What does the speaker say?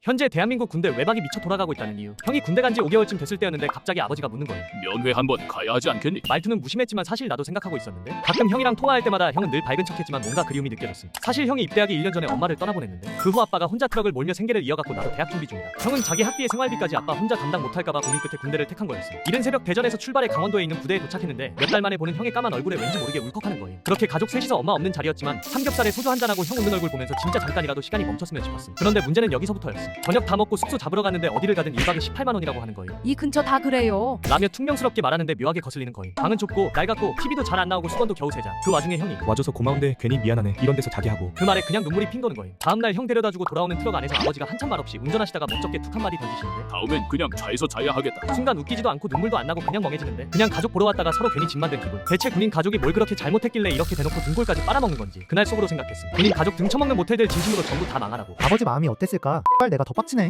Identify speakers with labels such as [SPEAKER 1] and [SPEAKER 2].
[SPEAKER 1] 현재 대한민국 군대 외박이 미쳐 돌아가고 있다는 이유. 형이 군대 간 지 5개월쯤 됐을 때였는데 갑자기 아버지가 묻는 거예요.
[SPEAKER 2] 면회 한번 가야 하지 않겠니?
[SPEAKER 1] 말투는 무심했지만 사실 나도 생각하고 있었는데 가끔 형이랑 통화할 때마다 형은 늘 밝은 척했지만 뭔가 그리움이 느껴졌음. 사실 형이 입대하기 1년 전에 엄마를 떠나보냈는데 그 후 아빠가 혼자 트럭을 몰며 생계를 이어갔고 나도 대학 준비 중이다. 형은 자기 학비에 생활비까지 아빠 혼자 감당 못할까봐 고민 끝에 군대를 택한 거였음. 이른 새벽 대전에서 출발해 강원도에 있는 부대에 도착했는데 몇 달 만에 보는 형의 까만 얼굴에 왠지 모르게 울컥하는 거예요. 그렇게 가족 셋이서 엄마 없는 자리였지만 삼겹살에 소주 한잔하고 형 웃는 얼굴 보면서 진짜 잠깐이라도 시간이 멈췄으면 싶었음. 그런데 문제는 여기서부터였음. 저녁 다 먹고 숙소 잡으러 갔는데 어디를 가든 1박에 18만 원이라고 하는 거예요.
[SPEAKER 3] 이 근처 다 그래요.
[SPEAKER 1] 라며 퉁명스럽게 말하는데 묘하게 거슬리는 거예요. 방은 좁고 낡았고 TV도 잘 안 나오고 수건도 겨우 3장. 그 와중에 형이
[SPEAKER 4] 와줘서 고마운데 괜히 미안하네 이런 데서 자게 하고.
[SPEAKER 1] 그 말에 그냥 눈물이 핑 도는 거예요. 다음날 형 데려다주고 돌아오는 트럭 안에서 아버지가 한참 말 없이 운전하시다가 멋쩍게 툭 한마디 던지시는데
[SPEAKER 2] 다음엔 그냥 차에서 자야 하겠다.
[SPEAKER 1] 순간 웃기지도 않고 눈물도 안 나고 그냥 멍해지는데 그냥 가족 보러 왔다가 서로 괜히 집 만든 기분. 대체 군인 가족이 뭘 그렇게 잘못했길래 이렇게 대놓고 등골까지 빨아먹는 건지 그날 속으로 생각했음. 군인 가족 등쳐먹는 모텔들 진심으로 전부 다 망하라고.
[SPEAKER 5] 아버지 마음이 어땠을까? 내가 더 빡치네.